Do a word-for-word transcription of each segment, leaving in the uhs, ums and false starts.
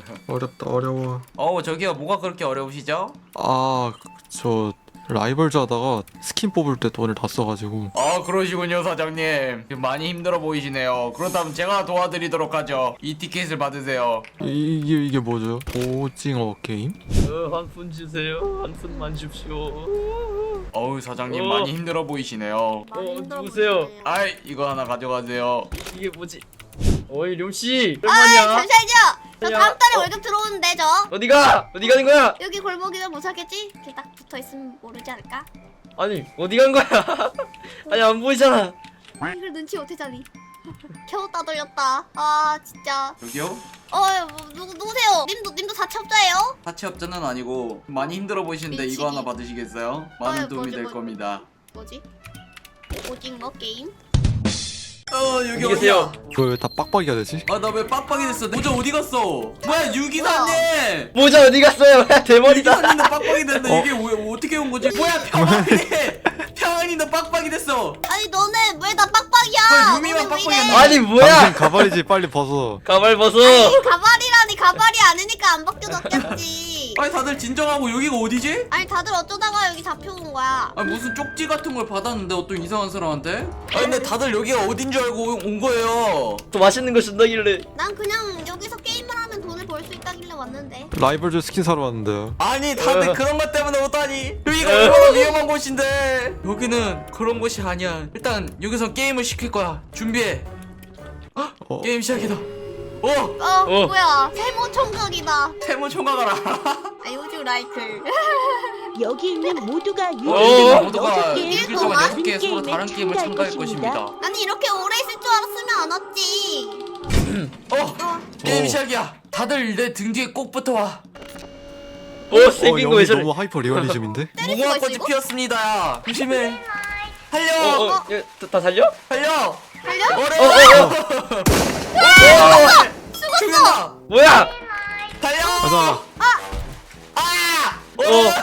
어렵다 어려워. 어 저기요 뭐가 그렇게 어려우시죠? 아 저 라이벌즈 하다가 스킨 뽑을 때 돈을 다 써가지고. 아 그러시군요 사장님. 많이 힘들어 보이시네요. 그렇다면 제가 도와드리도록 하죠. 이 티켓을 받으세요. 이, 이게 이게 뭐죠? 오징어 게임? 어, 한 푼 주세요. 한 푼만 줍시오. 어우 사장님 어. 많이 힘들어 보이시네요. 어, 누구세요? 아이 이거 하나 가져가세요. 이게 뭐지? 어이 룡씨 아 얼마냐? 잠시만요. 저 야, 다음 달에 어. 월급 들어오는데 저 어디가? 어디 가는 거야? 여기 골목이면 못 찾겠지? 이렇게 딱 붙어 있으면 모르지 않을까? 아니 어디 간 거야? 아니 안 보이잖아. 이걸 눈치 못 채자니. 겨우 따돌렸다. 아 진짜. 여기요? 어 뭐, 누구 누구세요? 님도 님도 사채업자예요? 사채업자는 아니고 많이 힘들어 보이시는데 밀치기. 이거 하나 받으시겠어요? 많은 어이, 도움이 뭐지, 될 뭐지? 겁니다. 뭐지? 오징어 게임? 어 여기 어디 계세요? 어디야? 그걸 왜 다 빡빡이가 되지? 아 나 왜 빡빡이 됐어? 모자 어디 갔어? 뭐야 유기사님! 모자 어디 갔어요? 대머리다. 유기사님도 빡빡이 됐네. 어? 이게 왜 어떻게 온 거지? 뭐야 평안이! 평안이도 빡빡이 됐어. 아니 너네 왜 나 빡빡이야? 왜 루미만 너네 왜 빡빡이야? 이래? 아니 뭐야? 당신 가발이지 빨리 벗어. 가발 벗어. 아니 가발이라니 가발이 아니니까 안 벗겨졌겠지. 아니 다들 진정하고 여기가 어디지? 아니 다들 어쩌다가 여기 잡혀온 거야. 아니 무슨 쪽지 같은 걸 받았는데 어떤 이상한 사람한테? 아니 근데 다들 여기가 어딘 줄 알고 온 거예요. 또 맛있는 거 준다길래. 난 그냥 여기서 게임을 하면 돈을 벌 수 있다길래 왔는데. 라이벌즈 스킨 사러 왔는데요. 아니 다들 어. 그런 것 때문에 오다니. 여기가 어. 얼마나 위험한 곳인데. 여기는 그런 곳이 아니야. 일단 여기서 게임을 시킬 거야. 준비해. 어. 게임 시작이다. 어! 어, 어. 뭐야 세모 총각이다. 세모 총각을 알아. 아 요즘 라이클. 여기 있는 모두가 어. 여기 모두가 여섯 일 개의 일 동안 여섯 동안 개의 서로 다른 게임을 참가할 것입니다. 아니 이렇게 오래 있을 줄 알았으면 안 왔지. 어! 어. 게임 어. 시작이야. 다들 내 등 뒤에 꼭 붙어와. 어 어 생긴 거 여기 왜 저래? 너무 하이퍼 리얼리즘인데? 때릴 수가 무궁화 있어 꽃이 이거? 피었습니다. 조심해. 달려! 어, 어, 예, 다- 다 살려? 달려! 달려? 어, 어려워! 어, 어. 죽는다! 뭐야? 달려! 가자. 아! 어,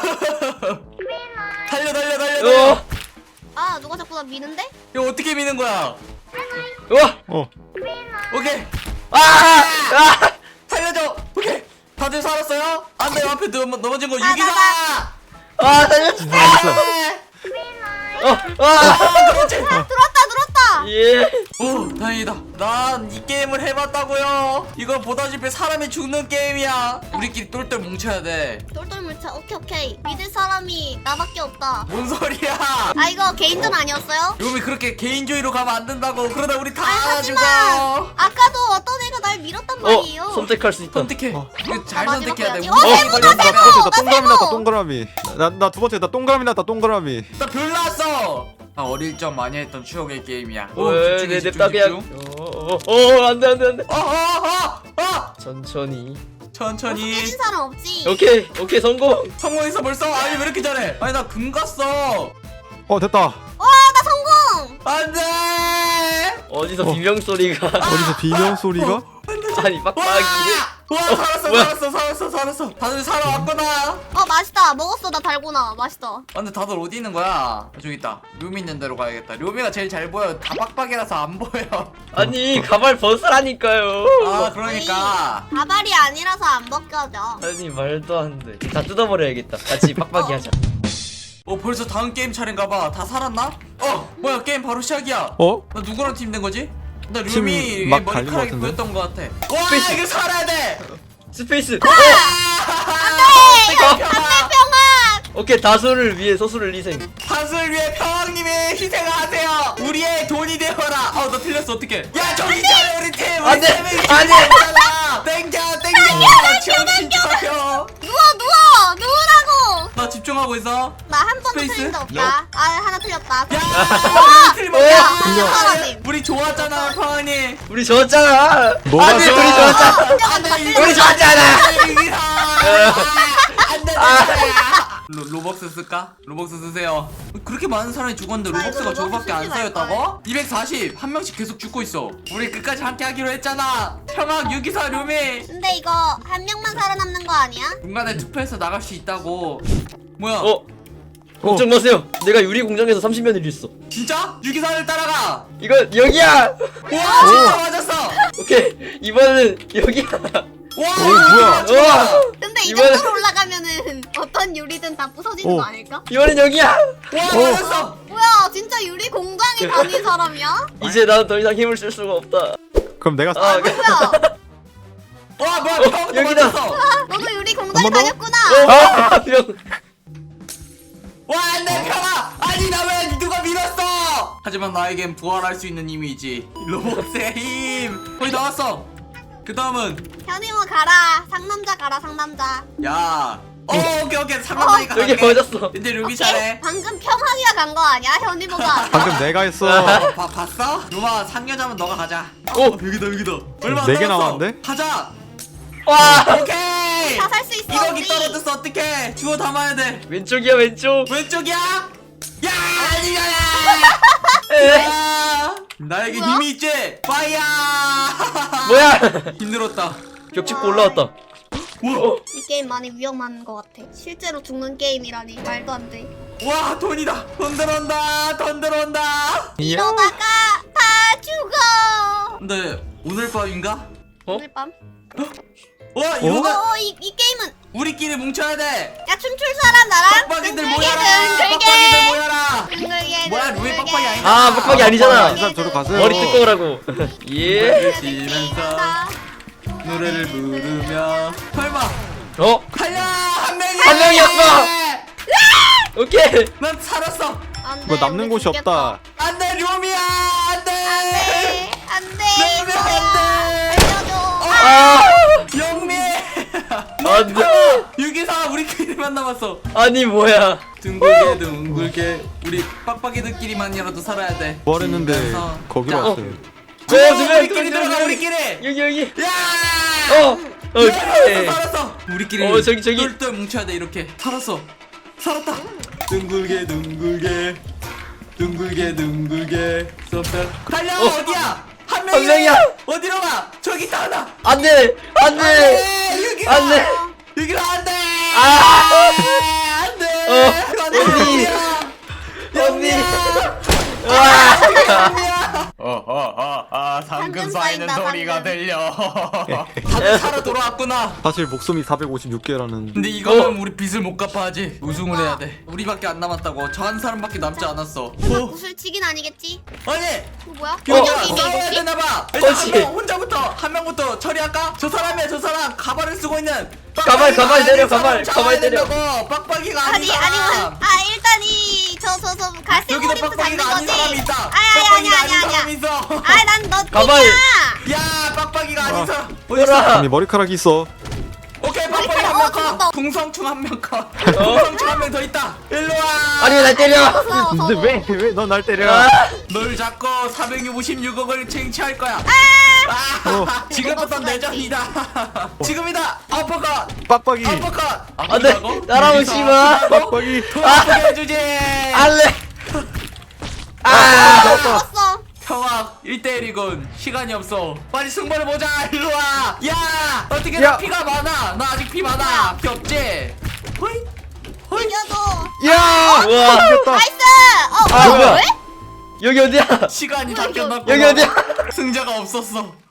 달려 달려 달려 달려! 어, 아 누가 자꾸 나 미는데? 이거 어떻게 미는 거야? 와, 어. 오케이! 아, 아, 살려줘! 오케이! 다들 살았어요? 안돼 앞에 넘, 넘어진 거 나, 유기사! 아, 살려주세요. 어, 아, 아 그렇지! 들었다 들었다. 예. 오 다행이다. 난 이 게임을 해봤다고요. 이거 보다시피 사람이 죽는 게임이야. 우리끼리 똘똘 뭉쳐야 돼. 똘똘 물차. 오케이 오케이. 믿을 사람이 나밖에 없다. 뭔 소리야? 아 이거 개인전 아니었어요? 요미 그렇게 개인주의로 가면 안 된다고. 그러다 우리 다 아, 죽어. 하지만 아까도 어떤 애가 날 밀었단 말이에요. 어, 선택할 수 있다. 선택해. 어. 이거 잘 아, 선택해야 돼. 마지막 우리 거야지. 어, 게임 세모다, 걸렸으면 나 두 번째 나 동그라미 세모! 났다 동그라미. 나 나 두 번째 나 동그라미 났다 동그라미. 나 별 나왔어. 나 어릴 적 많이 했던 추억의 게임이야. 오 왜, 집중해 내 집중 냅다 그냥. 집중. 어, 어, 어, 안돼, 안돼, 안돼. 어어어 어. 천천히. 천천히. 깨진 사람 없지? 오케이, 오케이 성공. 성공했어 벌써? 아니 왜 이렇게 잘해? 아니 나 금 갔어. 어 됐다. 와 나 성공! 안돼. 어디서 어. 비명 소리가? 어디서 비명 소리가? 아니 와! 빡빡이. 와 살았어 뭐야? 살았어 살았어 살았어. 다들 살아왔구나. 어 맛있다. 먹었어 나 달고나. 맛있다. 아, 근데 다들 어디 있는 거야? 저기 있다. 료미 있는 데로 가야겠다. 료미가 제일 잘 보여. 다 빡빡이라서 안 보여. 아니 가발 벗으라니까요. 아 그러니까. 가발이 아니라서 안 벗겨져. 아니 말도 안 돼. 다 뜯어버려야겠다. 같이 빡빡이 하자. 어 벌써 다음 게임 차례인가봐. 다 살았나? 어 뭐야 게임 바로 시작이야. 어? 나 누구랑 팀 된 거지? 나 팀 류미 막 갈린 것 머리카락이 같은데? 보였던 것 같아. 와 스페이스. 이거 살아야 돼. 스페이스. 안돼. 평안! 오케이 다수를 위해 소수를 희생. 다수를 위해 평왕님이 희생하세요. 우리의 돈이 되어라. 어너 틀렸어 어떡해? 야 저기 있잖아 우리 팀. 우리 안 돼, 팀이 안 돼. 희생하잖아. 땡겨 땡겨. 정신 차려. 누워 누워! 누우라고! 나 집중하고 있어. 나 한 번도 스페이스? 틀린 적 없다. 아 하나 틀렸다. 야 우리 팀 어. 뭐야? 아, 사라짐. 우리 좋았잖아 평왕님. 우리 좋았잖아. 뭐가 안돼 좋아? 우리 좋았잖아. 한 명은 다 틀렸다. 우리 좋았잖아. 안돼. 로, 로벅스 쓸까? 로벅스 쓰세요. 그렇게 많은 사람이 죽었는데 나 로벅스가 이거 저거밖에 안 로벅스 쓰지 쌓였다고? 이백사십 한 명씩 계속 죽고 있어. 우리 끝까지 함께 하기로 했잖아. 평학 유기사 류미. 근데 이거 한 명만 살아남는 거 아니야? 중간에 투표해서 나갈 수 있다고. 뭐야? 어 걱정 마세요. 내가 유리 공장에서 삼십 년을 일했어. 진짜? 유기사를 따라가. 이거 여기야. 와 진짜 맞았어. 오케이 이번에는 여기야. 와 오, 뭐야? 우와. 근데 이 이번에- 정도로 올라가면은 어떤 유리든 다 부서지는 오. 거 아닐까? 이번엔 여기야. 와 맞았어. 뭐야 진짜 유리 공장에 다닌 사람이야? 이제 나는 더 이상 힘을 쓸 수가 없다. 그럼 내가 아, 아 그- 뭐야? 와 뭐야 어, 처음부터 여기다. 맞았어. 너도 유리 공장에 한 번 더? 다녔구나. 아, 병. 와 안돼 평아. 아니 나 왜 누가 밀었어. 하지만 나에겐 부활할 수 있는 힘이 있지. 로봇의 힘. 거의 나왔어. 그 다음은 현이모 가라. 상남자 가라 상남자. 야. 어 오케이 오케이 상남자니까 어, 여기 맞았어. 근데 루비 오케이? 잘해. 방금 평하기가 간 거 아니야? 현이모가. 방금 내가 했어. 어, 봐, 봤어? 루마 상여자면 너가 가자. 오. 어, 여기다 여기다. 얼마 안 네 개 남았어. 남았는데? 가자. 와. 오케이. 다 살 수 있어 이거기 우리. 떨어졌어 어떡해. 주워 담아야 돼. 왼쪽이야 왼쪽. 왼쪽이야. 야 아니야. 에. 야. 나에게 뭐야? 힘이 있지. 파이어. 뭐야? 힘들었다. 벽 짚고 올라왔다. 어. 이 게임 많이 위험한 것 같아. 실제로 죽는 게임이라니 말도 안 돼. 와 돈이다. 돈 들어온다. 돈 들어온다. 이러다가 다 죽어. 근데 오늘 밤인가? 어? 오늘 밤. 와 이거는 어, 이, 이 게임은 우리끼리 뭉쳐야 돼. 야 춤출 사람 나랑 빡빡이들 둥글게 모여라. 빡빡이들 둥글게 모여라. 둥글게 뭐야, 루이 둥글게. 빡빡이 아니다. 아, 빡빡이 아니잖아. 이 사람 저리 가세요. 머리 뜯고라고. 예. 노래를 지면서 노래를 부르며 설마 어? 달려 한 명이 한 명이었어. 오케이. 난 살았어. 안돼 뭐 남는 곳이 없다. 안돼 료미야 안돼 안돼 안돼 네, 네, 안 돼. 알려줘. 아. 영미 안돼. 유기사 우리끼리만 남았어. 아니 뭐야? 둥글게 둥글게 우리 빡빡이들끼리만이라도 살아야 돼. 뭘 했는데 지면서. 거기로 자, 왔어요. 어, 두 명, 우리끼리 두 명, 들어가 두 명. 우리끼리. 여기 여기. 야. 어. 오케이. 살았어 살았어. 우리끼리 어, 저기, 저기. 똘똘 뭉쳐야 돼 이렇게. 살았어. 살았다. 둥글게 둥글게 둥글게 둥글게 쏙쏙 달려. 어. 어디야? 한 한 명이야. 명이야. 어디로 가? 저기 있다 하나. 안돼. 안돼. 안돼. 여기로. 안돼. 여기로 안돼. 아. 안돼. 어, 안돼. 언니. 언니. 와. 영미야. 어허허허 상금 쌓인다, 상금. 들려. 다들 살아 돌아왔구나. 사실 목숨이 사백오십육 개라는. 근데 이거는 어. 우리 빚을 못 갚아야지. 우승을 해야 돼. 우리밖에 안 남았다고. 저 한 사람밖에 남지 않았어. 설마 어? 구슬치긴 아니겠지? 아니 이거 뭐야? 그냥 여기 싸워야 이거지? 되나봐. 일단 그렇지. 한 명 혼자부터 한 명부터 처리할까? 저 사람이야 저 사람. 가발을 쓰고 있는. 가발, 빡빡이가 가발 아닌 때려, 사람 가발, 잡아야 가발 때려. 된다고. 빡빡이가 아닌 아니 사람. 아니 아 일단 이 저 저 저 갈색 여기도 머리부터 잡는 빡빡이가 아닌 거지? 사람이 있다. 아니 아니 빡빡이가 아니 아니 사람이 아니 있어. 아니 난너 가발. 야 빡빡이가 아닌 아. 사람. 뭐라? 아니 머리카락이 있어. 오케이 빡빡이 머리카락, 한 명 어, 컷. 죽었다. 궁성충 한 명 컷. 궁성충 한 명 더 있다. 일로 와. 아니 왜 날 때려? 무서워, 근데 무서워. 왜 왜 넌 날 때려? 아. 널 잡고 사백오십육억을 쟁취할 거야. 아! 어. 지금부터 내전이다. 지금이다. 아퍼컷. 빡빡이. 아퍼컷. 안돼. 따라오지 여기서 마. 아프다고? 빡빡이. 돈 아프게 해주지. 알레. 아. 죽었어. 평화 일 대일이군. 시간이 없어. 빨리 승부를 보자. 일로 와. 야 어떻게 야. 나 피가 많아. 나 아직 피 많아. 피 없지. 호이 호이. 이겨줘. 야! 우와. 이겼다. 나이스. 어 아, 뭐야? 뭐야? 왜? 여기 어디야? 시간이 다 여기, 끝났고. 여기 어디야? 승자가 없었어.